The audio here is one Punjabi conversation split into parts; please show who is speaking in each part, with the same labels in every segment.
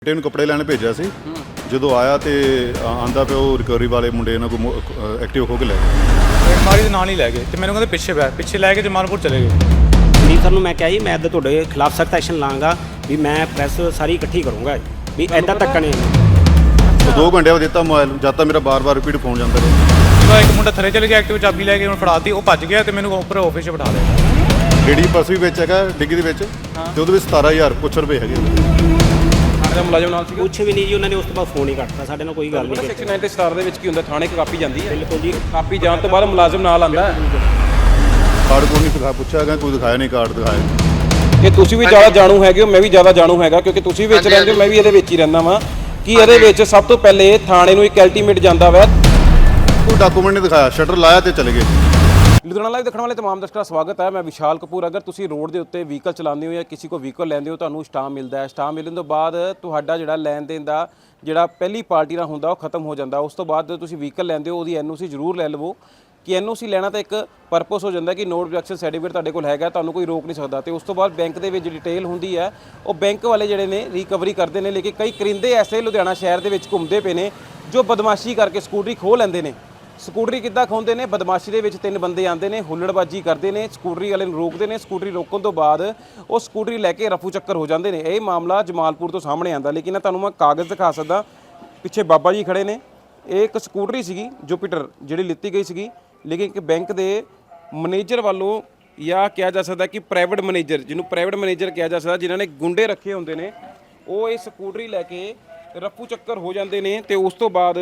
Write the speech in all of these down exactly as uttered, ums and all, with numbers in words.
Speaker 1: ਬੇਟੇ ਨੂੰ ਕੱਪੜੇ ਲੈਣ ਭੇਜਿਆ ਸੀ। ਜਦੋਂ ਆਇਆ ਤੇ ਆਂਦਾ ਪਿਆ ਉਹ ਰਿਕਵਰੀ ਵਾਲੇ ਮੁੰਡੇ ਇਹਨਾਂ ਕੋ ਐਕਟਿਵ ਹੋ ਕੇ ਲੈ ਗਏ।
Speaker 2: ਮਾਰੀ ਦੇ ਨਾਲ ਹੀ ਲੈ ਗਏ ਤੇ ਮੈਨੂੰ ਕਹਿੰਦੇ ਪਿੱਛੇ ਬੈ ਪਿੱਛੇ ਲੈ ਕੇ ਜਮਾਲਪੁਰ ਚਲੇ ਗਏ।
Speaker 3: ਸੰਦੀਪ ਸਰ ਨੂੰ ਮੈਂ ਕਿਹਾ ਜੀ ਮੈਂ ਇੱਦਾਂ ਤੁਹਾਡੇ ਖਿਲਾਫ ਸਖਤ ਐਕਸ਼ਨ ਲਾਂਗਾ ਵੀ ਮੈਂ ਪ੍ਰੈਸ ਸਾਰੀ ਇਕੱਠੀ ਕਰੂੰਗਾ ਵੀ ਇੱਦਾਂ ਧੱਕਾ ਨਹੀਂ।
Speaker 1: ਉਹ ਦੋ ਘੰਟੇ ਬਾਅਦ ਦਿੱਤਾ ਮੋਬਾਈਲ, ਜਦ ਤੱਕ ਮੇਰਾ ਬਾਰ-ਬਾਰ ਰਿਪੀਟ ਫੋਨ ਜਾਂਦਾ ਰਿਹਾ।
Speaker 2: ਜਦੋਂ ਇੱਕ ਮੁੰਡਾ ਥੱਲੇ ਚਲੇ ਗਿਆ ਐਕਟਿਵ ਚਾਬੀ ਲੈ ਕੇ ਉਹਨੂੰ ਫੜਾਤੀ, ਉਹ ਭੱਜ ਗਿਆ ਤੇ ਮੈਨੂੰ ਉੱਪਰ ਆਫਿਸ 'ਚ ਬਿਠਾ ਲਿਆ।
Speaker 1: ਡਿੱਗੀ ਪਰਸ ਵੀ ਵਿੱਚ ਹੈਗਾ ਡਿੱਗੀ ਦੇ ਵਿੱਚ ਤੇ ਉਹਦੇ ਵਿੱਚ ਸਤਾਰਾਂ ਹਜ਼ਾਰ ਕੁਛ ਰੁਪਏ ਹੈਗੇ।
Speaker 4: ਥਾਣੇ ਦਾ ਮੁਲਾਜ਼ਮ ਨਾਲ ਸੀ
Speaker 3: ਕੁਛ ਵੀ ਨਹੀਂ ਜੀ, ਉਹਨਾਂ ਨੇ ਉਸ ਤੋਂ ਬਾਅਦ ਫੋਨ ਹੀ ਕੱਟਤਾ, ਸਾਡੇ ਨਾਲ ਕੋਈ ਗੱਲ ਨਹੀਂ ਕੀਤੀ।
Speaker 4: ਸੈਕਸ਼ਨ ਨਾਈਨ ਤੇ ਸਟਾਰ ਦੇ ਵਿੱਚ ਕੀ ਹੁੰਦਾ, ਥਾਣੇ ਇੱਕ ਕਾਪੀ ਜਾਂਦੀ ਹੈ।
Speaker 3: ਬਿਲਕੁਲ ਜੀ,
Speaker 4: ਕਾਪੀ ਜਾਣ ਤੋਂ ਬਾਅਦ ਮੁਲਾਜ਼ਮ ਨਾਲ ਆਂਦਾ ਹੈ।
Speaker 1: ਕਾਰਡ ਕੋਡ ਨਹੀਂ ਦਿਖਾ ਪੁੱਛਿਆ ਗਿਆ, ਕੋਈ ਦਿਖਾਇਆ ਨਹੀਂ ਕਾਰਡ ਦਿਖਾਇਆ।
Speaker 4: ਇਹ ਤੁਸੀਂ ਵੀ ਜ਼ਿਆਦਾ ਜਾਣੂ ਹੈਗੇ ਹੋ, ਮੈਂ ਵੀ ਜ਼ਿਆਦਾ ਜਾਣੂ ਹੈਗਾ ਕਿਉਂਕਿ ਤੁਸੀਂ ਵਿੱਚ ਰਹਿੰਦੇ ਹੋ, ਮੈਂ ਵੀ ਇਹਦੇ ਵਿੱਚ ਹੀ ਰਹਿੰਦਾ ਵਾਂ। ਕਿ ਇਹਦੇ ਵਿੱਚ ਸਭ ਤੋਂ ਪਹਿਲੇ ਥਾਣੇ ਨੂੰ ਇੱਕ ਅਲਟੀਮੇਟ ਜਾਂਦਾ ਵਾ,
Speaker 1: ਕੋਈ ਡਾਕੂਮੈਂਟ ਨਹੀਂ ਦਿਖਾਇਆ, ਸ਼ਟਰ ਲਾਇਆ ਤੇ ਚਲੇ ਗਏ।
Speaker 4: ਲੁਧਿਆਣਾ ਲਾਈਵ ਦੇਖਣ ਵਾਲੇ तमाम ਦਰਸ਼ਕਾਂ ਦਾ ਸਵਾਗਤ ਹੈ। ਮੈਂ ਵਿਸ਼ਾਲ ਕਪੂਰ। ਅਗਰ ਤੁਸੀਂ ਰੋਡ ਦੇ ਉੱਤੇ ਵਹੀਕਲ ਚਲਾਉਂਦੇ ਹੋ ਜਾਂ ਕਿਸੇ ਕੋ ਵਹੀਕਲ ਲੈਂਦੇ ਹੋ, ਤੁਹਾਨੂੰ ਸਟਾਮ ਮਿਲਦਾ ਹੈ। ਸਟਾਮ ਮਿਲਣ ਤੋਂ ਬਾਅਦ ਤੁਹਾਡਾ ਜਿਹੜਾ ਲੈਣ ਦੇਣ ਦਾ ਜਿਹੜਾ ਪਹਿਲੀ ਪਾਰਟੀ ਨਾਲ ਹੁੰਦਾ ਉਹ ਖਤਮ ਹੋ ਜਾਂਦਾ। ਉਸ ਤੋਂ ਬਾਅਦ ਜਦੋਂ ਤੁਸੀਂ ਵਹੀਕਲ ਲੈਂਦੇ ਹੋ ਉਹਦੀ ਐਨ ਓ ਸੀ ਜ਼ਰੂਰ ਲੈ ਲਵੋ ਕਿ ਐਨ ਓ ਸੀ ਲੈਣਾ ਤਾਂ ਇੱਕ ਪਰਪਸ ਹੋ ਜਾਂਦਾ ਕਿ ਨੋ ਆਬਜੈਕਸ਼ਨ ਸਰਟੀਫਿਕੇਟ ਤੁਹਾਡੇ ਕੋਲ ਹੈਗਾ, ਤੁਹਾਨੂੰ ਕੋਈ ਰੋਕ ਨਹੀਂ ਸਕਦਾ। ਤੇ ਉਸ ਤੋਂ ਬਾਅਦ ਬੈਂਕ ਦੇ ਵਿੱਚ ਡਿਟੇਲ ਹੁੰਦੀ ਹੈ, ਉਹ ਬੈਂਕ ਵਾਲੇ ਜਿਹੜੇ ਨੇ ਰਿਕਵਰੀ ਕਰਦੇ ਨੇ। ਲੇਕਿਨ ਕਈ ਕਰਿੰਦੇ ਐਸੇ ਲੁਧਿਆਣਾ ਸ਼ਹਿਰ ਦੇ ਵਿੱਚ ਘੁੰਮਦੇ ਪਏ ਨੇ ਜੋ ਬਦਮਾਸ਼ੀ ਕਰਕੇ ਸਕੂਟਰੀ ਖੋਹ ਲੈਂਦੇ ਨੇ। ਸਕੂਟਰੀ ਕਿੱਦਾਂ ਖੋਹਦੇ ਨੇ? ਬਦਮਾਸ਼ੀ ਦੇ ਵਿੱਚ ਤਿੰਨ ਬੰਦੇ ਆਉਂਦੇ ਨੇ, ਹੁੱਲੜਬਾਜੀ ਕਰਦੇ ਨੇ, ਸਕੂਟਰੀ ਵਾਲੇ ਨੂੰ ਰੋਕਦੇ ਨੇ। ਸਕੂਟਰੀ ਰੋਕਣ ਤੋਂ ਬਾਅਦ ਉਹ ਸਕੂਟਰੀ ਲੈ ਕੇ ਰਫੂ ਚੱਕਰ ਹੋ ਜਾਂਦੇ ਨੇ। ਇਹ ਮਾਮਲਾ ਜਮਾਲਪੁਰ ਤੋਂ ਸਾਹਮਣੇ ਆਂਦਾ। ਲੇਕਿਨ ਤੁਹਾਨੂੰ ਮੈਂ ਕਾਗਜ਼ ਦਿਖਾ ਸਕਦਾ, ਪਿੱਛੇ ਬਾਬਾ ਜੀ ਖੜੇ ਨੇ। ਇਹ ਇੱਕ ਸਕੂਟਰੀ ਸੀਗੀ ਜੁਪੀਟਰ ਜਿਹੜੀ ਲਿੱਤੀ ਗਈ ਸੀਗੀ, ਲੇਕਿਨ ਇੱਕ ਬੈਂਕ ਦੇ ਮੈਨੇਜਰ ਵੱਲੋਂ ਜਾਂ ਕਿਹਾ ਜਾ ਸਕਦਾ ਕਿ ਪ੍ਰਾਈਵੇਟ ਮੈਨੇਜਰ, ਜਿਹਨੂੰ ਪ੍ਰਾਈਵੇਟ ਮੈਨੇਜਰ ਕਿਹਾ ਜਾ ਸਕਦਾ, ਜਿਨ੍ਹਾਂ ਨੇ ਗੁੰਡੇ ਰੱਖੇ ਹੁੰਦੇ ਨੇ, ਉਹ ਇਹ ਸਕੂਟਰੀ ਲੈ ਕੇ ਰਫੂ ਚੱਕਰ ਹੋ ਜਾਂਦੇ ਨੇ। ਤੇ ਉਸ ਤੋਂ ਬਾਅਦ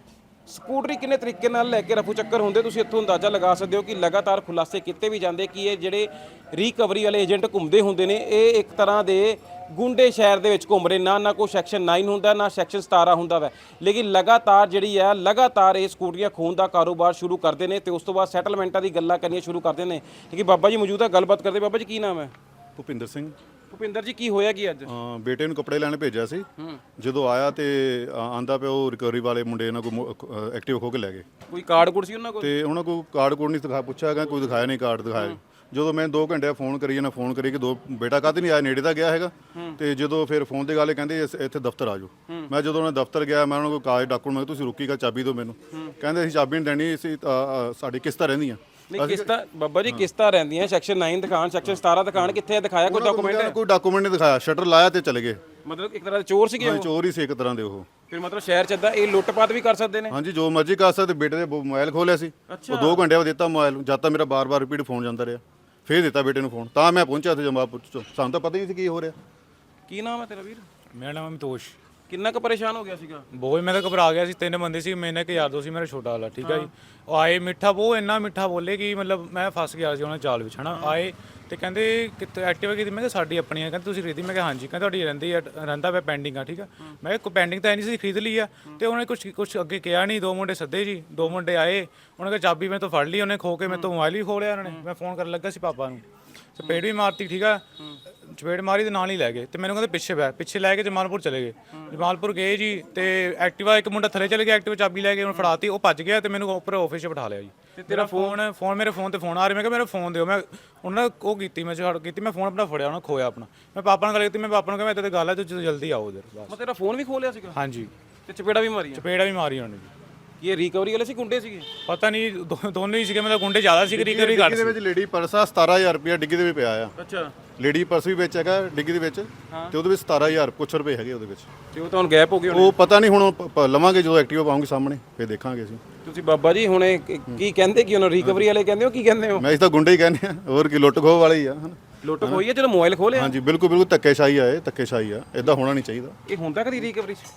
Speaker 4: ਸਕੂਟਰੀ ਕਿੰਨੇ ਤਰੀਕੇ ਨਾਲ ਲੈ ਕੇ ਰਫੂ ਚੱਕਰ ਹੁੰਦੇ, ਤੁਸੀਂ ਇੱਥੋਂ ਅੰਦਾਜ਼ਾ ਲਗਾ ਸਕਦੇ ਹੋ ਕਿ ਲਗਾਤਾਰ ਖੁਲਾਸੇ ਕੀਤੇ ਵੀ ਜਾਂਦੇ ਕਿ ਇਹ ਜਿਹੜੇ ਰਿਕਵਰੀ ਵਾਲੇ ਏਜੰਟ ਘੁੰਮਦੇ ਹੁੰਦੇ ਨੇ, ਇਹ ਇੱਕ ਤਰ੍ਹਾਂ ਦੇ ਗੁੰਡੇ ਸ਼ਹਿਰ ਦੇ ਵਿੱਚ ਘੁੰਮ ਰਹੇ। ਨਾ ਨਾ ਕੋਈ ਸੈਕਸ਼ਨ ਨਾਈਨ ਹੁੰਦਾ, ਨਾ ਸੈਕਸ਼ਨ ਸਤਾਰਾਂ ਹੁੰਦਾ ਵਾ, ਲੇਕਿਨ ਲਗਾਤਾਰ ਜਿਹੜੀ ਹੈ ਲਗਾਤਾਰ ਇਹ ਸਕੂਟਰੀਆਂ ਖੋਹਣ ਦਾ ਕਾਰੋਬਾਰ ਸ਼ੁਰੂ ਕਰਦੇ ਨੇ। ਤੇ ਉਸ ਤੋਂ ਬਾਅਦ ਸੈਟਲਮੈਂਟਾਂ ਦੀ ਗੱਲਾਂ ਕਰਨੀਆਂ ਸ਼ੁਰੂ ਕਰਦੇ ਨੇ। ਕਿ ਬਾਬਾ ਜੀ ਮੌਜੂਦ ਹੈ, ਗੱਲਬਾਤ ਕਰਦੇ। ਬਾਬਾ ਜੀ ਕੀ ਨਾਮ ਹੈ?
Speaker 1: ਭੁਪਿੰਦਰ ਸਿੰਘ।
Speaker 4: ਭੁਪਿੰਦਰ ਜੀ ਕੀ ਹੋਇਆ ਕੀ ਅੱਜ?
Speaker 1: ਬੇਟੇ ਨੂੰ ਕੱਪੜੇ ਲੈਣ ਭੇਜਿਆ ਸੀ। ਜਦੋਂ ਆਇਆ ਤੇ ਆਂਦਾ ਪਿਆ ਉਹ ਰਿਕਵਰੀ ਵਾਲੇ ਮੁੰਡੇ ਇਹਨਾਂ ਕੋ ਐਕਟਿਵ ਹੋ ਕੇ ਲੈ ਗਏ।
Speaker 4: ਕੋਈ ਕਾਰਡ ਕੋਡ ਸੀ ਉਹਨਾਂ ਕੋਲ?
Speaker 1: ਤੇ ਉਹਨਾਂ ਕੋਲ ਕਾਰਡ ਕੋਡ ਨਹੀਂ ਦਿਖਾ ਪੁੱਛਿਆ ਗਿਆ, ਕੋਈ ਦਿਖਾਇਆ ਨਹੀਂ ਕਾਰਡ ਦਿਖਾਇਆ। ਜਦੋਂ ਮੈਂ ਦੋ ਘੰਟੇ ਫੋਨ ਕਰੀ ਨਾ ਫੋਨ ਕਰੀ ਕਿ ਦੋ ਬੇਟਾ ਕਾਹਤੇ ਨਹੀਂ ਆਇਆ, ਨੇੜੇ ਤਾਂ ਗਿਆ ਹੈਗਾ। ਤੇ ਜਦੋਂ ਫਿਰ ਫੋਨ ਦੇ ਗੱਲ ਕਹਿੰਦੇ ਇੱਥੇ ਦਫ਼ਤਰ ਆ ਜਾਓ। ਮੈਂ ਜਦੋਂ ਉਹਨਾਂ ਦਫ਼ਤਰ ਗਿਆ, ਮੈਂ ਉਹਨਾਂ ਕੋਲ ਕਾਗਜ਼ ਡਾਕੂਮੈਂਟ, ਮੈਂ ਤੁਸੀਂ ਰੁਕੀਗਾ, ਚਾਬੀ ਦਿਓ ਮੈਨੂੰ। ਕਹਿੰਦੇ ਅਸੀਂ ਚਾਬੀ ਨਹੀਂ ਦੇਣੀ, ਅਸੀਂ ਸਾਡੀ ਕਿਸ਼ਤਾਂ ਰਹਿੰਦੀਆਂ।
Speaker 4: ਨਹੀਂ ਕਿਸ਼ਤਾਂ ਬਾਬਾ ਜੀ ਕਿਸ਼ਤਾਂ ਰਹਿੰਦੀਆਂ, ਸੈਕਸ਼ਨ ਨਾਈਨ ਦਿਖਾਣ, ਸੈਕਸ਼ਨ ਸਤਾਰਾਂ ਦਿਖਾਣ, ਕਿੱਥੇ ਦਿਖਾਇਆ ਕੋਈ ਡਾਕੂਮੈਂਟ?
Speaker 1: ਕੋਈ ਡਾਕੂਮੈਂਟ ਨਹੀਂ ਦਿਖਾਇਆ, ਸ਼ਟਰ ਲਾਇਆ ਤੇ ਚਲੇ ਗਏ।
Speaker 4: ਮਤਲਬ ਇੱਕ ਤਰ੍ਹਾਂ ਦੇ ਚੋਰ ਸੀਗੇ ਉਹ?
Speaker 1: ਚੋਰ ਹੀ ਸੀ ਇੱਕ ਤਰ੍ਹਾਂ ਦੇ ਉਹ।
Speaker 4: ਫਿਰ ਮਤਲਬ ਸ਼ਹਿਰ ਚ ਇਦਾਂ ਇਹ ਲੁੱਟਪਾਟ ਵੀ ਕਰ ਸਕਦੇ ਨੇ?
Speaker 1: ਹਾਂਜੀ, ਜੋ ਮਰਜ਼ੀ ਕਰ ਸਕਦੇ। ਬੇਟੇ ਦੇ ਮੋਬਾਈਲ ਖੋਲਿਆ ਸੀ, ਉਹ ਦੋ ਘੰਟੇ ਬਾਅਦ ਦਿੱਤਾ ਮੋਬਾਈਲ, ਜਦ ਤੱਕ ਮੇਰਾ ਬਾਰ-ਬਾਰ ਰਿਪੀਟ ਫੋਨ ਜਾਂਦਾ ਰਿਹਾ। ਫੇਰ ਦਿੱਤਾ ਬੇਟੇ ਨੂੰ ਫੋਨ, ਤਾਂ ਮੈਂ ਪਹੁੰਚਿਆ ਤੇ ਜਮਾਲਪੁਰ ਚ। ਸਾਨੂੰ ਤਾਂ ਪਤਾ ਹੀ ਨਹੀਂ ਸੀ ਕੀ ਹੋ ਰਿਹਾ।
Speaker 4: ਕੀ ਨਾਮ ਹੈ ਤੇਰਾ ਵੀਰ?
Speaker 2: ਮੇਰਾ ਨਾਮ ਅਮਿਤੋਸ਼।
Speaker 4: ਕਿੰਨਾ ਕੁ ਪਰੇਸ਼ਾਨ ਹੋ ਗਿਆ ਸੀਗਾ?
Speaker 2: ਬਹੁਤ, ਮੈਂ ਤਾਂ ਘਬਰਾ ਗਿਆ ਸੀ। ਤਿੰਨ ਬੰਦੇ ਸੀ, ਮੈਨੇ ਇੱਕ ਯਾਰ ਦੋ ਸੀ, ਮੇਰਾ ਛੋਟਾ ਵਾਲਾ, ਠੀਕ ਆ ਜੀ। ਉਹ ਆਏ, ਮਿੱਠਾ ਬਹੁਤ ਇੰਨਾ ਮਿੱਠਾ ਬੋਲੇ ਕਿ ਮਤਲਬ ਮੈਂ ਫਸ ਗਿਆ ਸੀ ਉਹਨਾਂ ਚਾਲ ਵਿੱਚ, ਹਨਾ। ਆਏ ਤੇ ਕਹਿੰਦੇ ਕਿਤੇ ਐਕਟਿਵਾ ਕੀਤੀ? ਮੈਂ ਕਿਹਾ ਸਾਡੀ ਆਪਣੀ ਆ। ਕਹਿੰਦੇ ਤੁਸੀਂ ਖਰੀਦੀ? ਮੈਂ ਕਿਹਾ ਹਾਂਜੀ। ਕਹਿੰਦੇ ਤੁਹਾਡੀ ਰਹਿੰਦੀ ਆ, ਰਹਿੰਦਾ ਪਿਆ ਪੈਂਡਿੰਗ ਆ, ਠੀਕ ਆ। ਮੈਂ ਕਿਹਾ ਕੋਈ ਪੈਂਡਿੰਗ ਤਾਂ ਨਹੀਂ ਸੀ, ਖਰੀਦ ਲਈ ਆ। ਤੇ ਉਹਨੇ ਕੁਛ ਕੁਛ ਅੱਗੇ ਕਿਹਾ ਨਹੀਂ। ਦੋ ਮੁੰਡੇ ਸੱਦੇ ਜੀ, ਦੋ ਮੁੰਡੇ ਆਏ, ਉਹਨਾਂ ਨੇ ਚਾਬੀ ਮੇਰੇ ਤੋਂ ਫੜ ਲਈ, ਉਹਨੇ ਖੋ ਕੇ ਮੇਰੇ ਤੋਂ ਮੋਬਾਈਲ ਵੀ ਖੋਹ ਲਿਆ ਉਹਨਾਂ ਨੇ। ਮੈਂ ਫੋਨ ਕਰਨ ਲੱਗਾ ਸੀ ਪਾਪਾ ਨੂੰ, ਚਪੇੜ ਵੀ ਮਾਰਤੀ, ਠੀਕ ਆ। ਚਪੇੜ ਮਾਰੀ ਦੇ ਨਾਲ ਹੀ ਲੈ ਗਏ ਤੇ ਮੈਨੂੰ ਕਹਿੰਦੇ ਪਿੱਛੇ ਬੈ ਪਿੱਛੇ ਲੈ ਕੇ ਜਮਾਲਪੁਰ ਚਲੇ ਗਏ। ਜਮਾਲਪੁਰ ਗਏ ਜੀ ਤੇ ਐਕਟਿਵਾ ਇੱਕ ਮੁੰਡਾ ਥੱਲੇ ਚਲੇ ਗਿਆ, ਐਕਟਿਵਾ ਚਾਬੀ ਲੈ ਕੇ ਉਹਨੂੰ ਫੜਾਤੀ, ਉਹ ਭੱਜ ਗਿਆ ਤੇ ਮੈਨੂੰ ਉੱਪਰ ਆਫਿਸ 'ਚ ਬਿਠਾ ਲਿਆ ਜੀ। ਤੇ ਤੇਰਾ ਫੋਨ ਫੋਨ ਮੇਰੇ ਫੋਨ ਤੇ ਫੋਨ ਆ ਰਿਹਾ। ਮੈਂ ਕਿਹਾ ਮੇਰਾ ਫੋਨ ਦਿਓ। ਮੈਂ ਉਹਨਾਂ ਨੇ ਉਹ ਕੀਤੀ, ਮੈਂ ਛੱਡ ਕੀਤੀ, ਮੈਂ ਫੋਨ ਆਪਣਾ ਫੜਿਆ, ਉਹਨਾਂ ਖੋਇਆ ਆਪਣਾ। ਮੈਂ ਪਾਪਾ ਨਾਲ ਗੱਲ ਕੀਤੀ, ਮੈਂ ਪਾਪਾ ਨੂੰ ਕਿਹਾ ਇੱਦਾਂ ਦੀ ਗੱਲ ਹੈ, ਤੁਸੀਂ ਜਲਦੀ ਆਓ ਉਧਰ ਬਸ।
Speaker 4: ਮੈਂ ਤੇਰਾ ਫੋਨ ਵੀ ਖੋਹ ਲਿਆ ਸੀਗਾ?
Speaker 2: ਹਾਂਜੀ।
Speaker 4: ਤੇ ਚਪੇੜਾ ਵੀ ਮਾਰੀਆਂ?
Speaker 2: ਚਪੇੜਾ ਵੀ ਮਾਰੀ ਉਹਨੇ ਜੀ।
Speaker 4: ਇਹ ਰਿਕਵਰੀ ਵਾਲੇ ਸੀ ਗੁੰਡੇ ਸੀਗੇ?
Speaker 2: ਪਤਾ ਨਹੀਂ, ਦੋਨੋਂ ਹੀ ਸੀਗੇ, ਮਤਲਬ ਗੁੰਡੇ ਜ਼ਿਆਦਾ ਸੀ, ਰਿਕਵਰੀ ਘੱਟ ਸੀ।
Speaker 1: ਦੇ ਵਿੱਚ ਲੇਡੀ ਪਰਸ ਆ, ਸਤਾਰਾਂ ਹਜ਼ਾਰ ਰੁਪਇਆ ਡਿੱਗੀ ਦੇ ਵਿੱਚ ਪਿਆ ਆ।
Speaker 4: ਅੱਛਾ।
Speaker 1: ਲੇਡੀ ਪਰਸ ਵੀ ਵਿੱਚ ਹੈਗਾ ਡਿੱਗੀ ਦੇ ਵਿੱਚ, ਤੇ ਉਹਦੇ ਵਿੱਚ ਸਤਾਰਾਂ ਹਜ਼ਾਰ ਕੁਛ ਰੁਪਏ ਹੈਗੇ ਉਹਦੇ ਵਿੱਚ।
Speaker 4: ਤੇ ਉਹ ਤੁਹਾਨੂੰ ਗੈਪ ਹੋ ਗਏ?
Speaker 1: ਉਹ ਪਤਾ ਨਹੀਂ, ਹੁਣ ਲਵਾਂਗੇ ਜਦੋਂ ਐਕਟਿਵਾ ਪਾਉਂਗੇ ਸਾਹਮਣੇ, ਫਿਰ ਦੇਖਾਂਗੇ ਅਸੀਂ।
Speaker 4: ਤੁਸੀਂ ਬਾਬਾ ਜੀ ਹੁਣ ਕੀ ਕਹਿੰਦੇ ਕਿ ਉਹਨਾਂ ਰਿਕਵਰੀ ਵਾਲੇ ਕਹਿੰਦੇ ਹੋ, ਕੀ ਕਹਿੰਦੇ ਹੋ?
Speaker 1: ਮੈਂ ਇਸ ਤਾਂ ਗੁੰਡੇ ਹੀ ਕਹਿੰਦੇ ਆ, ਹੋਰ ਕੀ, ਲੁੱਟ ਖੋਹ ਵਾਲੇ ਹੀ ਆ।
Speaker 4: ਲੁੱਟ ਖੋਈ ਹੈ ਜਦੋਂ ਮੋਬਾਈਲ ਖੋਹ ਲਿਆ?
Speaker 1: ਹਾਂਜੀ, ਬਿਲਕੁਲ ਬਿਲਕੁਲ ਧੱਕੇਸ਼ਾਹੀ ਆ, ਇਹ ਧੱਕੇਸ਼ਾਹੀ ਆ, ਇਦਾਂ ਹੋਣਾ ਨਹੀਂ ਚਾਹੀਦਾ।
Speaker 4: ਇਹ ਹੁੰਦਾ ਕਦੀ ਰਿਕਵਰੀ 'ਚ?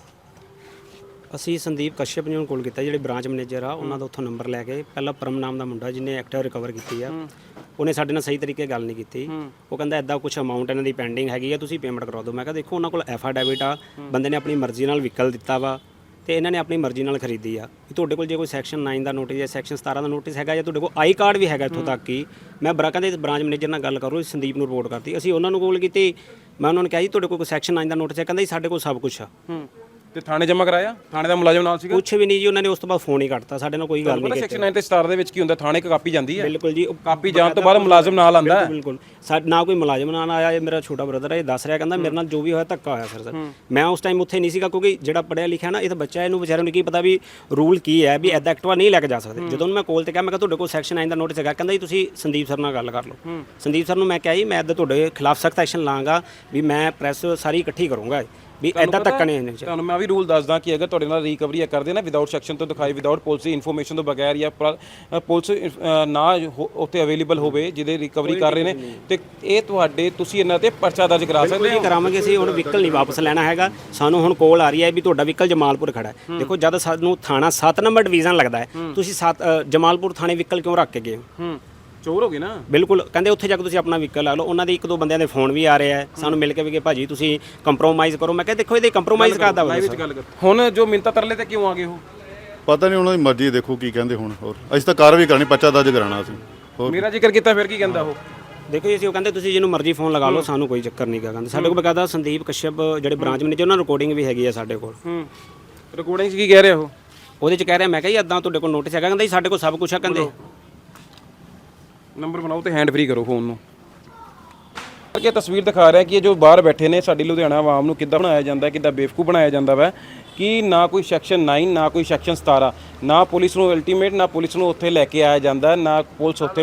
Speaker 3: ਅਸੀਂ ਸੰਦੀਪ ਕਸ਼ਯਪ ਜੀ ਨੂੰ ਕੋਲ ਕੀਤਾ, ਜਿਹੜੇ ਬ੍ਰਾਂਚ ਮੈਨੇਜਰ ਆ, ਉਹਨਾਂ ਦਾ ਉੱਥੋਂ ਨੰਬਰ ਲੈ ਕੇ। ਪਹਿਲਾਂ ਪਰਮ ਨਾਮ ਦਾ ਮੁੰਡਾ ਜਿਹਨੇ ਐਕਟਿਵਾ ਰਿਕਵਰ ਕੀਤੀ ਆ, ਉਹਨੇ ਸਾਡੇ ਨਾਲ ਸਹੀ ਤਰੀਕੇ ਗੱਲ ਨਹੀਂ ਕੀਤੀ। ਉਹ ਕਹਿੰਦਾ ਇੱਦਾਂ ਕੁਛ ਅਮਾਊਂਟ ਇਹਨਾਂ ਦੀ ਪੈਂਡਿੰਗ ਹੈਗੀ ਆ, ਤੁਸੀਂ ਪੇਮੈਂਟ ਕਰਾ ਦਿਓ। ਮੈਂ ਕਿਹਾ ਦੇਖੋ ਉਹਨਾਂ ਕੋਲ ਐਫਾਡੈਵਿਟ ਆ, ਬੰਦੇ ਨੇ ਆਪਣੀ ਮਰਜ਼ੀ ਨਾਲ ਵਹੀਕਲ ਦਿੱਤਾ ਵਾ ਤੇ ਇਹਨਾਂ ਨੇ ਆਪਣੀ ਮਰਜ਼ੀ ਨਾਲ ਖਰੀਦੀ ਆ। ਤੁਹਾਡੇ ਕੋਲ ਜੇ ਕੋਈ ਸੈਕਸ਼ਨ ਨਾਈਨ ਦਾ ਨੋਟਿਸ ਜਾਂ ਸੈਕਸ਼ਨ ਸਤਾਰਾਂ ਦਾ ਨੋਟਿਸ ਹੈਗਾ, ਜਾਂ ਤੁਹਾਡੇ ਕੋਲ ਆਈ ਕਾਰਡ ਵੀ ਹੈਗਾ ਇੱਥੋਂ ਤੱਕ ਕਿ ਮੈਂ ਬਰਾਕਾਂ ਦੇ ਬ੍ਰਾਂਚ ਮੈਨੇਜਰ ਨਾਲ ਗੱਲ ਕਰੋ, ਸੰਦੀਪ ਨੂੰ ਰਿਪੋਰਟ ਕਰਤੀ। ਅਸੀਂ ਉਹਨਾਂ ਨੂੰ ਕੋਲ ਕੀਤੀ, ਮੈਂ ਉਹਨਾਂ ਨੂੰ ਕਿਹਾ ਜੀ ਤੁਹਾਡੇ ਕੋਲ ਕੋਈ ਸੈਕਸ਼ਨ ਨਾਈਨ ਦਾ ਨੋਟਿਸ ਹੈ? ਕਹਿੰਦਾ ਜੀ ਸਾਡੇ ਕੋਲ ਸਭ ਕੁਛ ਆ।
Speaker 4: ਤੇ ਥਾਣੇ ਜਮ੍ਹਾਂ ਕਰਾਇਆ? ਥਾਣੇ ਦਾ ਮੁਲਾਜ਼ਮ ਨਾਲ ਸੀਗਾ?
Speaker 3: ਕੁਛ ਵੀ ਨਹੀਂ ਜੀ, ਉਹਨਾਂ ਨੇ ਉਸ ਤੋਂ ਬਾਅਦ ਫੋਨ ਹੀ ਕੱਟਤਾ, ਸਾਡੇ ਨਾਲ ਕੋਈ ਗੱਲ
Speaker 4: ਪਤਾ
Speaker 3: ਨਹੀਂ ਕੀਤੀ।
Speaker 4: ਸੈਕਸ਼ਨ ਨੌਂ ਤੇ ਸਤਾਰਾਂ ਦੇ ਵਿੱਚ ਕੀ ਹੁੰਦਾ, ਥਾਣੇ ਇੱਕ ਕਾਪੀ ਜਾਂਦੀ ਹੈ।
Speaker 3: ਬਿਲਕੁਲ ਜੀ, ਉਹ
Speaker 4: ਕਾਪੀ ਜਾਣ ਤੋਂ ਬਾਅਦ ਮੁਲਾਜ਼ਮ ਨਾਲ ਆਂਦਾ ਹੈ।
Speaker 3: ਬਿਲਕੁਲ ਸਾ ਨਾ ਕੋਈ ਮੁਲਾਜ਼ਮ ਨਾਲ ਆਇਆ। ਇਹ ਮੇਰਾ ਛੋਟਾ ਬ੍ਰਦਰ ਹੈ, ਇਹ ਦੱਸ ਰਿਹਾ, ਕਹਿੰਦਾ ਮੇਰੇ ਨਾਲ ਜੋ ਵੀ ਹੋਇਆ ਧੱਕਾ ਹੋਇਆ ਸਰ। ਸਰ ਮੈਂ ਉਸ ਟਾਈਮ ਉੱਥੇ ਨਹੀਂ ਸੀਗਾ, ਕਿਉਂਕਿ ਜਿਹੜਾ ਪੜਿਆ ਲਿਖਿਆ ਨਾ, ਇਹ ਤਾਂ ਬੱਚਾ, ਇਹਨੂੰ ਵਿਚਾਰੇ ਨੂੰ ਕੀ ਪਤਾ ਵੀ ਰੂਲ ਕੀ ਹੈ, ਵੀ ਐਦਾਂ ਐਕਟਿਵਾ ਨਹੀਂ ਲੈ ਕੇ ਜਾ ਸਕਦੇ। ਜਦੋਂ ਮੈਂ ਕੋਲ ਤੇ ਕਿਹਾ, ਮੈਂ ਕਿਹਾ ਤੁਹਾਡੇ ਕੋਲ ਸੈਕਸ਼ਨ ਨੌਂ ਦਾ ਨੋਟਿਸ ਹੈਗਾ? ਕਹਿੰਦਾ ਜੀ ਤੁਸੀਂ ਸੰਦੀਪ ਸਰ ਨਾਲ ਗੱਲ ਕਰ ਲਓ। ਸੰਦੀਪ ਸਰ ਨੂੰ ਮੈਂ ਕਿਹਾ ਜੀ ਮੈਂ ਇੱਦਾਂ ਤੁਹਾਡੇ ਖਿਲਾਫ ਸਖਤ ਐਕਸ਼ਨ ਲਾਂਗਾ, ਵੀ ਮੈਂ ਪ੍ਰੈਸ ਸਾਰੀ ਇਕੱਠੀ ਕਰੂੰਗਾ, ਵੀ ਐਦਾਂ ਧੱਕਾ ਨਹੀਂ ਹੋਣਾ ਚਾਹੀਦਾ।
Speaker 4: ਤੁਹਾਨੂੰ ਮੈਂ ਵੀ ਰੂਲ ਦੱਸਦਾ ਕਿ ਅਗਰ ਤੁਹਾਡੇ ਨਾਲ ਰਿਕਵਰੀ ਕਰਦੇ ਨਾ ਵਿਦਆਊਟ ਸੈਕਸ਼ਨ ਤੋਂ ਦਿਖਾਈ, ਵਿਦਆਊਟ ਪੁਲਿਸ ਦੀ ਇਨਫੋਰਮੇਸ਼ਨ ਤੋਂ ਬਗੈਰ, ਜਾਂ ਪੁਲਿਸ ਨਾ ਉੱਥੇ ਅਵੇਲੇਬਲ ਹੋਵੇ ਜਿਹਦੇ ਰਿਕਵਰੀ ਕਰ ਰਹੇ ਨੇ, ਤੇ ਇਹ ਤੁਹਾਡੇ ਤੁਸੀਂ ਇਹਨਾਂ ਤੇ ਪਰਚਾ ਦਰਜ ਕਰਾ ਸਕਦੇ ਹੋ।
Speaker 3: ਕਰਾਵਾਂਗੇ ਅਸੀਂ। ਹੁਣ ਵਹੀਕਲ ਨਹੀਂ ਵਾਪਸ ਲੈਣਾ ਹੈਗਾ ਸਾਨੂੰ। ਹੁਣ ਕੋਲ ਆ ਰਹੀ ਹੈ ਵੀ ਤੁਹਾਡਾ ਵਹੀਕਲ ਜਮਾਲਪੁਰ ਖੜਾ ਹੈ। ਦੇਖੋ ਜਦ ਸਾਨੂੰ ਥਾਣਾ ਸੱਤ ਨੰਬਰ ਡਿਵੀਜ਼ਨ ਲੱਗਦਾ ਹੈ, ਤੁਸੀਂ ਸੱਤ ਜਮਾਲਪੁਰ ਥਾਣੇ ਵਹੀਕਲ ਕਿਉਂ ਰੱਖ ਕੇ ਗਏ ਹੋ?
Speaker 4: ਚੋਰ ਹੋ ਗਏ ਨਾ। ਬਿਲਕੁਲ,
Speaker 3: ਕਹਿੰਦੇ ਉੱਥੇ ਜਾ ਕੇ ਤੁਸੀਂ ਆਪਣਾ ਵਹੀਕਲ ਲਾ ਲਓ। ਉਹਨਾਂ ਦੇ ਇੱਕ ਦੋ ਬੰਦਿਆਂ ਦੇ ਫੋਨ ਵੀ ਆ ਰਹੇ ਆ, ਸਾਨੂੰ ਮਿਲ ਕੇ ਵੀ ਕਿ ਭਾਜੀ ਤੁਸੀਂ ਕੰਪਰੋਮਾਈਜ਼ ਕਰੋ। ਮੈਂ ਕਿਹਾ ਦੇਖੋ ਇਹਦੇ ਕੰਪਰੋਮਾਈਜ਼ ਕਰਦਾ ਵਾ।
Speaker 4: ਹੁਣ ਜੋ ਮਿੰਤਾ ਤਰਲੇ ਤੇ ਕਿਉਂ ਆ ਗਏ ਹੋ?
Speaker 1: ਪਤਾ ਨਹੀਂ, ਉਹਨਾਂ ਦੀ ਮਰਜ਼ੀ, ਦੇਖੋ ਕੀ ਕਹਿੰਦੇ ਹੁਣ। ਹੋਰ ਅਸੀਂ ਤਾਂ ਕਾਰਵਾਈ ਕਰਨੀ, ਪਰਚਾ ਦਰਜ ਕਰਾਉਣਾ ਅਸੀਂ। ਹੋਰ
Speaker 4: ਮੇਰਾ ਜ਼ਿਕਰ ਕੀਤਾ ਫਿਰ ਕੀ ਕਹਿੰਦਾ ਉਹ?
Speaker 3: ਦੇਖੋ ਜੀ, ਅਸੀਂ ਉਹ ਕਹਿੰਦੇ ਤੁਸੀਂ ਜਿਹਨੂੰ ਮਰਜ਼ੀ ਫੋਨ ਲਗਾ ਲਓ, ਸਾਨੂੰ ਕੋਈ ਚੱਕਰ ਨਹੀਂ ਗਾ। ਕਹਿੰਦੇ ਸਾਡੇ ਕੋਲ ਬਕਾਇਦਾ ਸੰਦੀਪ ਕਸ਼ਯਪ ਜਿਹੜੇ ਬ੍ਰਾਂਚ ਮੈਨੇਜਰ, ਉਹਨਾਂ ਰਿਕਾਰਡਿੰਗ ਵੀ ਹੈਗੀ ਆ ਸਾਡੇ ਕੋਲ।
Speaker 4: ਹੂੰ, ਰਿਕਾਰਡਿੰਗ 'ਚ ਕੀ ਕਹਿ ਰਿਹਾ ਉਹ?
Speaker 3: ਉਹਦੇ 'ਚ ਕਹਿ ਰਿਹਾ, ਮੈਂ ਕਿਹਾ ਜੀ ਇੱਦਾਂ ਤੁਹਾਡੇ ਕੋਲ ਨੋਟਿਸ ਹੈਗਾ? ਕਹਿੰਦਾ ਜੀ ਸਾਡੇ ਕੋਲ ਸਭ ਕੁਝ ਆ। ਕਹਿੰਦੇ
Speaker 4: ਨੰਬਰ ਬਣਾਓ ਤੇ ਹੈਂਡ ਫ੍ਰੀ ਕਰੋ ਫੋਨ ਨੂੰ। ਇਹ ਤਸਵੀਰ ਦਿਖਾ ਰਿਹਾ ਕਿ ਇਹ ਜੋ ਬਾਹਰ ਬੈਠੇ ਨੇ ਸਾਡੀ ਲੁਧਿਆਣਾ ਆਵਾਮ ਨੂੰ ਕਿੱਦਾਂ ਬਣਾਇਆ ਜਾਂਦਾ, ਕਿੱਦਾਂ ਬੇਵਕੂਫ ਬਣਾਇਆ ਜਾਂਦਾ ਵਾ, ਕਿ ਨਾ ਕੋਈ ਸੈਕਸ਼ਨ ਨੌਂ, ਨਾ ਕੋਈ ਸੈਕਸ਼ਨ ਸਤਾਰਾਂ, ਨਾ ਪੁਲਿਸ ਨੂੰ ਅਲਟੀਮੇਟ, ਨਾ ਪੁਲਿਸ ਨੂੰ ਉੱਥੇ ਲੈ ਕੇ ਆਇਆ ਜਾਂਦਾ, ਨਾ ਪੁਲਿਸ ਉੱਥੇ।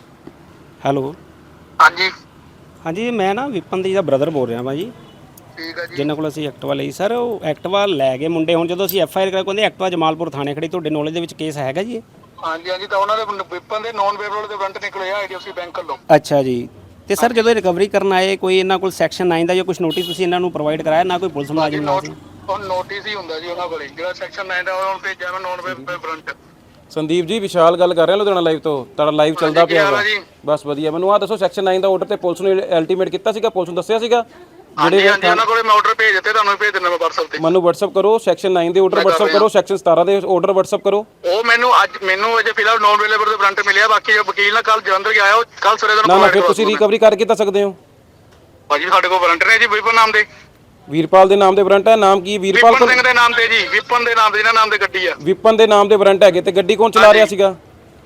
Speaker 3: ਹੈਲੋ,
Speaker 5: ਹਾਂਜੀ
Speaker 3: ਹਾਂਜੀ ਮੈਂ ਨਾ ਵਿਪਨ ਦੀ ਦਾ ਬ੍ਰਦਰ ਬੋਲ ਰਿਹਾ ਭਾਜੀ,
Speaker 5: ਠੀਕ ਹੈ ਜੀ।
Speaker 3: ਜਿਨ੍ਹਾਂ ਕੋਲ ਅਸੀਂ ਐਕਟਿਵਾ ਲਈ ਸਰ। ਉਹ ਐਕਟਿਵਾ ਲੈ ਗਏ ਮੁੰਡੇ। ਹੁਣ ਜਦੋਂ ਅਸੀਂ ਐਫ ਆਈ ਆਰ ਕਰਾਇਆ, ਕਹਿੰਦੇ ਐਕਟਿਵਾ ਜਮਾਲਪੁਰ ਥਾਣੇ ਖੜੀ। ਤੁਹਾਡੇ ਨੌਲੇਜ ਦੇ ਵਿੱਚ ਕੇਸ ਹੈਗਾ ਜੀ ਇਹ?
Speaker 5: ਹਾਂਜੀ ਹਾਂਜੀ, ਤਾਂ ਉਹਨਾਂ ਦੇ ਵਿਪਨ ਦੇ ਨੌਨ ਵੇਬਲ ਦੇ ਵਾਰੰਟ ਨਿਕਲੇ ਆ ਆਈਡੀਐਫਸੀ ਬੈਂਕ ਵੱਲੋਂ।
Speaker 3: ਅੱਛਾ ਜੀ। ਤੇ ਸਰ ਜਦੋਂ ਇਹ ਰਿਕਵਰੀ ਕਰਨ ਆਏ, ਕੋਈ ਇਹਨਾਂ ਕੋਲ ਸੈਕਸ਼ਨ ਨੌਂ ਦਾ ਜਾਂ ਕੁਝ ਨੋਟਿਸ ਤੁਸੀਂ ਇਹਨਾਂ ਨੂੰ ਪ੍ਰੋਵਾਈਡ ਕਰਾਇਆ? ਨਾ ਕੋਈ ਪੁਲਿਸ ਮੁਲਾਜ਼ਮ ਨਾਲ ਸੀ?
Speaker 5: ਉਹ ਨੋਟਿਸ ਹੀ ਹੁੰਦਾ ਜੀ ਉਹਨਾਂ ਕੋਲੇ, ਜਿਹੜਾ ਸੈਕਸ਼ਨ ਨੌਂ ਦਾ ਉਹਨਾਂ ਭੇਜਿਆ ਮੈਂ ਨੌਨ ਵੇਬਲ ਵਾਰੰਟ।
Speaker 4: ਸੰਦੀਪ ਜੀ, ਵਿਸ਼ਾਲ ਗੱਲ ਕਰ ਰਿਹਾ ਲੁਧਿਆਣਾ ਲਾਈਵ ਤੋਂ। ਤੁਹਾਡਾ ਲਾਈਵ ਚੱਲਦਾ ਪਿਆ ਵਾ। ਬਸ ਵਧੀਆ। ਮੈਨੂੰ ਆਹ ਦੱਸੋ, ਸੈਕਸ਼ਨ ਨੌਂ ਦਾ ਆਰਡਰ ਤੇ ਪੁਲਿਸ ਨੂੰ ਅਲਟੀਮੇਟ ਕੀਤਾ ਸੀਗਾ? ਪੁਲਿਸ ਨੂੰ ਦੱਸਿਆ ਸੀਗਾ?
Speaker 5: ਜਿਹੜੇ ਉਹਨਾਂ ਕੋਲੇ ਮੈਂ ਆਰਡਰ ਭੇਜ ਦਿੱਤੇ, ਤੁਹਾਨੂੰ ਭੇਜ ਦਿੰਦਾ ਮੈਂ WhatsApp ਤੇ।
Speaker 4: ਮੈਨੂੰ WhatsApp ਕਰੋ ਸੈਕਸ਼ਨ ਨੌਂ ਦੇ ਆਰਡਰ WhatsApp ਕਰੋ, ਸੈਕਸ਼ਨ ਸਤਾਰਾਂ ਦੇ ਆਰਡਰ WhatsApp ਕਰੋ।
Speaker 5: ਉਹ ਮੈਨੂੰ ਅੱਜ ਮੈਨੂੰ ਅਜੇ ਫਿਲਹਾਲ ਨੌਨ ਵੇਬਲ ਦੇ ਵਾਰੰਟ ਮਿਲਿਆ। ਬਾਕੀ ਜੋ ਵਕੀਲ ਨਾਲ ਕੱਲ ਜਲੰਧਰ ਗਿਆ, ਉਹ ਕੱਲ ਸਵੇਰੇ
Speaker 4: ਨਾ ਨਾ ਫਿਰ ਤੁਸੀਂ ਰਿਕਵਰੀ ਕਰ ਕਿੱਦਾਂ ਸਕਦੇ ਹੋ?
Speaker 5: ਭਾਜੀ ਸਾਡੇ ਕੋਲ ਵਾਰੰਟ ਨੇ ਜੀ ਵਿਪਨ ਨਾਮ ਦੇ।
Speaker 4: ਵੀਰਪਾਲ ਦੇ ਨਾਮ ਦੇ ਵਾਰੰਟ ਹੈ? ਨਾਮ ਕੀ? ਵੀਰਪਾਲ
Speaker 5: ਵਿਪਨ ਸਿੰਘ ਦੇ ਨਾਮ ਤੇ ਜੀ, ਵਿਪਨ ਦੇ ਨਾਮ ਤੇ, ਜਿਹਨਾਂ ਨਾਮ ਤੇ ਗੱਡੀ ਆ।
Speaker 4: ਵਿਪਨ ਦੇ ਨਾਮ ਦੇ ਵਾਰੰਟ ਹੈਗੇ, ਤੇ ਗੱਡੀ ਕੌਣ ਚਲਾ ਰਿਹਾ ਸੀਗਾ?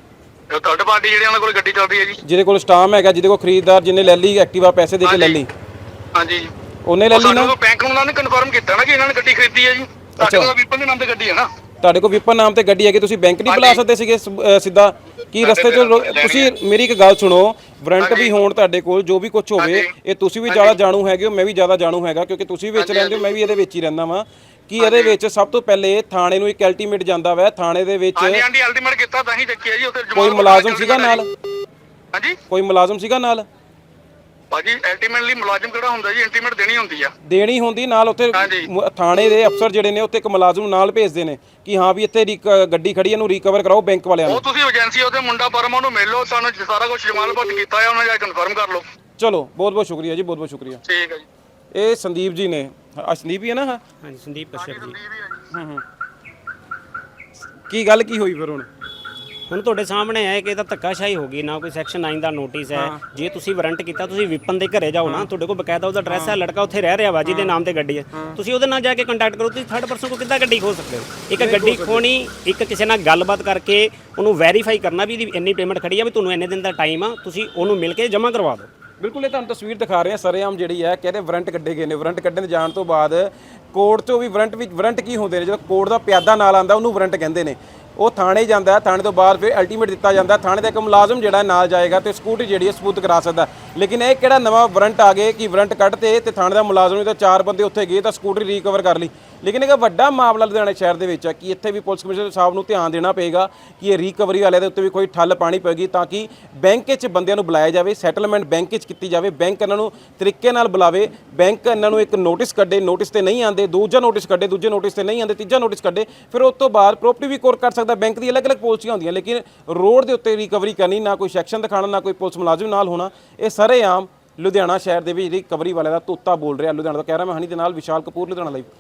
Speaker 5: ਥਰਡ ਪਾਰਟੀ ਜਿਹੜੀ ਉਹਨਾਂ ਕੋਲ ਗੱਡੀ ਚੱਲ ਰਹੀ ਹੈ ਜੀ,
Speaker 4: ਜਿਹਦੇ ਕੋਲ ਸਟਾਮ ਹੈਗਾ, ਜਿਹਦੇ ਕੋਲ ਖਰੀਦਦਾਰ ਜਿਹਨੇ ਲੈ ਲਈ ਐਕਟਿਵਾ, ਪੈਸੇ ਦੇ ਕੇ ਲੈ ਲਈ,
Speaker 5: ਹਾਂਜੀ
Speaker 4: ਉਹਨੇ ਲੈ ਲਈ ਨਾ?
Speaker 5: ਸਾਡੇ ਕੋਲ ਬੈਂਕ ਨੂੰ ਉਹਨਾਂ ਨੇ ਕਨਫਰਮ ਕੀਤਾ ਨਾ ਕਿ ਇਹਨਾਂ ਨੇ ਗੱਡੀ ਖਰੀਦੀ ਹੈ ਜੀ। ਸਾਡੇ ਕੋਲ ਵਿਪਨ ਦੇ ਨਾਮ ਤੇ ਗੱਡੀ ਹੈ ਨਾ।
Speaker 4: ਤੁਹਾਡੇ ਕੋਲ ਵਿਪਨ ਨਾਮ ਤੇ ਗੱਡੀ ਹੈਗੀ, ਤੁਸੀਂ ਬੈਂਕ ਨਹੀਂ ਬੁਲਾ ਸਕਦੇ ਸੀਗੇ ਸਿੱਧਾ? ਕੀ ਰਸਤੇ 'ਚ ਤੁਸੀਂ ਮੇਰੀ ਇੱਕ ਗੱਲ ਸੁਣੋ, ਵਾਰੰਟ ਵੀ ਹੋਣ ਤੁਹਾਡੇ ਕੋਲ, ਜੋ ਵੀ ਕੁਝ ਹੋਵੇ, ਇਹ ਤੁਸੀਂ ਵੀ ਜ਼ਿਆਦਾ ਜਾਣੂ ਹੈਗੇ ਹੋ, ਮੈਂ ਵੀ ਜ਼ਿਆਦਾ ਜਾਣੂ ਹੈਗਾ, ਕਿਉਂਕਿ ਤੁਸੀਂ ਵਿੱਚ ਰਹਿੰਦੇ ਹੋ, ਮੈਂ ਵੀ ਇਹਦੇ ਵਿੱਚ ਹੀ ਰਹਿੰਦਾ ਵਾਂ। ਕਿ ਇਹਦੇ ਵਿੱਚ ਸਭ ਤੋਂ ਪਹਿਲੇ ਥਾਣੇ ਨੂੰ ਇੱਕ ਅਲਟੀਮੇਟ ਜਾਂਦਾ ਵਾ, ਥਾਣੇ ਦੇ ਵਿੱਚ
Speaker 5: ਹਾਂਜੀ ਹਾਂਜੀ ਅਲਟੀਮੇਟ ਕੀਤਾ ਤਾਂ ਹੀ ਚੱਕਿਆ ਜੀ। ਉੱਥੇ
Speaker 4: ਕੋਈ ਮੁਲਾਜ਼ਮ ਸੀਗਾ ਨਾਲ?
Speaker 5: ਹਾਂਜੀ,
Speaker 4: ਕੋਈ ਮੁਲਾਜ਼ਮ ਸੀਗਾ ਨਾਲ?
Speaker 5: ਭਾਜੀ ਅਲਟੀਮੇਟਲੀ ਮੁਲਾਜ਼ਮ ਕਿਹੜਾ ਹੁੰਦਾ ਜੀ, ਅਲਟੀਮੇਟ ਦੇਣੀ ਹੁੰਦੀ ਆ।
Speaker 4: ਦੇਣੀ ਹੁੰਦੀ ਨਾਲ। ਉੱਥੇ ਥਾਣੇ ਦੇ ਅਫਸਰ ਜਿਹੜੇ ਨੇ ਉੱਥੇ ਇੱਕ ਮੁਲਾਜ਼ਮ ਨੂੰ ਨਾਲ ਭੇਜਦੇ ਨੇ ਕਿ ਹਾਂ ਵੀ ਇੱਥੇ ਗੱਡੀ ਖੜੀ, ਇਹਨੂੰ ਰਿਕਵਰ ਕਰਾਓ ਬੈਂਕ ਵਾਲਿਆਂ ਨੂੰ।
Speaker 5: ਉਹ ਤੁਸੀਂ ਏਜੰਸੀ ਉਹਦੇ ਮੁੰਡਾ ਪਰਮਾ ਨੂੰ ਮਿਲ ਲਓ, ਸਾਨੂੰ ਸਾਰਾ ਕੁਝ ਜਮਾਲਪੁਰ ਕੀਤਾ ਹੈ, ਉਹਨਾਂ ਜਾ ਕੇ ਕਨਫਰਮ ਕਰ ਲਓ।
Speaker 4: ਚਲੋ, ਬਹੁਤ ਬਹੁਤ ਸ਼ੁਕਰੀਆ ਜੀ, ਬਹੁਤ ਬਹੁਤ ਸ਼ੁਕਰੀਆ।
Speaker 5: ਠੀਕ ਹੈ ਜੀ।
Speaker 4: ਇਹ ਸੰਦੀਪ ਜੀ ਨੇ। ਆ ਸੰਦੀਪ ਹੀ ਹੈ ਨਾ? ਹਾਂ
Speaker 3: ਹਾਂਜੀ, ਸੰਦੀਪ ਕਸ਼ਯਪ ਜੀ।
Speaker 4: ਹੂੰ ਹੂੰ। ਕੀ ਗੱਲ ਕੀ ਹੋਈ ਫਿਰ ਹੁਣ?
Speaker 3: ਹੁਣ ਤੁਹਾਡੇ ਸਾਹਮਣੇ ਹੈ ਕਿ ਇਹਦਾ ਧੱਕਾਸ਼ਾਹੀ ਹੋ ਗਈ। ਨਾ ਕੋਈ ਸੈਕਸ਼ਨ ਨੌਂ ਦਾ ਨੋਟਿਸ ਹੈ। ਜੇ ਤੁਸੀਂ ਵਾਰੰਟ ਕੀਤਾ, ਤੁਸੀਂ ਵਿਪਨ ਦੇ ਘਰੇ ਜਾਓ ਨਾ, ਤੁਹਾਡੇ ਕੋਲ ਬਕਾਇਦਾ ਉਹਦਾ ਐਡਰੈਸ ਹੈ, ਲੜਕਾ ਉੱਥੇ ਰਹਿ ਰਿਹਾ ਵਾ ਜਿਹਦੇ ਨਾਮ ਤੇ ਗੱਡੀ ਹੈ, ਤੁਸੀਂ ਉਹਦੇ ਨਾਲ ਜਾ ਕੇ ਕੰਟੈਕਟ ਕਰੋ। ਤੁਸੀਂ ਥਰਡ ਪਰਸਨ ਕੋਲ ਕਿੱਦਾਂ ਗੱਡੀ ਖੋ ਸਕਦੇ ਹੋ? ਇੱਕ ਗੱਡੀ ਖੋਣੀ, ਇੱਕ ਕਿਸੇ ਨਾਲ ਗੱਲਬਾਤ ਕਰਕੇ ਉਹਨੂੰ ਵੈਰੀਫਾਈ ਕਰਨਾ ਵੀ ਇਹਦੀ ਇੰਨੀ ਪੇਮੈਂਟ ਖੜੀ ਆ, ਵੀ ਤੁਹਾਨੂੰ ਇੰਨੇ ਦਿਨ ਦਾ ਟਾਈਮ ਆ, ਤੁਸੀਂ ਉਹਨੂੰ ਮਿਲ ਕੇ ਜਮ੍ਹਾਂ ਕਰਵਾ ਦਿਓ।
Speaker 4: ਬਿਲਕੁਲ, ਇਹ ਤੁਹਾਨੂੰ ਤਸਵੀਰ ਦਿਖਾ ਰਹੇ ਹਾਂ ਸਰੇਆਮ ਜਿਹੜੀ ਹੈ, ਕਹਿੰਦੇ ਵਾਰੰਟ ਕੱਢੇ ਗਏ ਨੇ। ਵਾਰੰਟ ਕੱਢਣ ਦੇ ਜਾਣ ਤੋਂ ਬਾਅਦ ਕੋਰਟ 'ਚੋਂ ਵੀ ਵਾਰੰਟ ਵੀ ਵਾਰੰਟ ਕੀ ਹੁੰਦੇ ਨੇ, ਜਦੋਂ ਕੋਰਟ ਦਾ ਪਿਆਦਾ ਨਾਲ ਆਉਂਦਾ ਉਹਨੂੰ ਵਾਰੰਟ ਕਹਿੰਦੇ ਨੇ। ਉਹ ਥਾਣੇ ਜਾਂਦਾ, ਥਾਣੇ ਤੋਂ ਬਾਅਦ ਫਿਰ ਅਲਟੀਮੇਟ ਦਿੱਤਾ ਜਾਂਦਾ। ਥਾਣੇ ਦਾ ਇੱਕ ਮੁਲਾਜ਼ਮ ਜਿਹੜਾ ਨਾਲ ਜਾਏਗਾ ਤੇ ਸਕੂਟੀ ਜਿਹੜੀ ਹੈ ਸਬੂਤ ਕਰਾ ਸਕਦਾ। ਲੇਕਿਨ ਇਹ ਕਿਹੜਾ ਨਵਾਂ ਵਾਰੰਟ ਆ ਗਏ ਕਿ ਵਾਰੰਟ ਕੱਢਤੇ ਤੇ ਥਾਣੇ ਦਾ ਮੁਲਾਜ਼ਮ ਤਾਂ ਚਾਰ ਬੰਦੇ ਉੱਥੇ ਗਏ ਤਾਂ ਸਕੂਟਰੀ ਰਿਕਵਰ ਕਰ ਲਈ। ਲੇਕਿਨ ਇੱਕ ਵੱਡਾ ਮਾਮਲਾ ਲੁਧਿਆਣਾ ਸ਼ਹਿਰ ਦੇ ਵਿੱਚ ਹੈ ਕਿ ਇੱਥੇ ਵੀ ਪੁਲਿਸ ਕਮਿਸ਼ਨਰ ਸਾਹਿਬ ਨੂੰ ਧਿਆਨ ਦੇਣਾ ਪਏਗਾ ਕਿ ਇਹ ਰਿਕਵਰੀ ਵਾਲਿਆਂ ਦੇ ਉੱਤੇ ਵੀ ਕੋਈ ਠੱਲ ਪਾਣੀ ਪਏਗੀ, ਤਾਂ ਕਿ ਬੈਂਕ 'ਚ ਬੰਦਿਆਂ ਨੂੰ ਬੁਲਾਇਆ ਜਾਵੇ, ਸੈਟਲਮੈਂਟ ਬੈਂਕ 'ਚ ਕੀਤੀ ਜਾਵੇ, ਬੈਂਕ ਇਹਨਾਂ ਨੂੰ ਤਰੀਕੇ ਨਾਲ ਬੁਲਾਵੇ, ਬੈਂਕ ਇਹਨਾਂ ਨੂੰ ਇੱਕ ਨੋਟਿਸ ਕੱਢੇ, ਨੋਟਿਸ ਤੇ ਨਹੀਂ ਆਉਂਦੇ, ਦੂਜਾ ਨੋਟਿਸ ਕੱਢੇ, ਦੂਜੇ ਨੋਟਿਸ ਤੇ ਨਹੀਂ ਆਉਂਦੇ, ਤੀਜਾ ਨੋਟਿਸ ਕੱਢੇ, ਫਿਰ ਉਸ ਤੋਂ ਬਾਅਦ ਪ੍ਰੋਪਰਟੀ ਵੀ ਕੋਰ ਕਰ ਸਕਦਾ। ਬੈਂਕ ਦੀ ਅਲੱਗ-ਅਲੱਗ ਪਾਲਿਸੀਆਂ ਹੁੰਦੀਆਂ, ਲੇਕਿਨ ਰੋਡ ਦੇ ਉੱਤੇ ਰਿਕਵਰੀ ਕਰਨੀ, ਨਾ ਕੋਈ ਸੈਕਸ਼ਨ ਦਿਖਾਣਾ, ਨਾ ਕੋਈ ਪੁਲਿਸ ਮੁਲਾਜ਼ਮ ਨਾਲ ਹੋਣਾ, ਇਹ ਸਰੇਆਮ ਲੁਧਿਆਣਾ ਸ਼ਹਿਰ ਦੇ ਵਿੱਚ ਰਿਕਵਰੀ ਵਾਲਿਆਂ ਦਾ ਤੋਤਾ ਬੋਲ ਰਿਹਾ। ਲੁਧਿਆਣਾ ਤੋਂ ਕਹਿ ਰਿਹਾ ਮੈਂ ਹਨੀ ਦੇ ਨਾਲ ਵਿਸ਼ਾਲ ਕਪੂਰ, ਲੁਧਿਆਣਾ ਲਾਈਵ।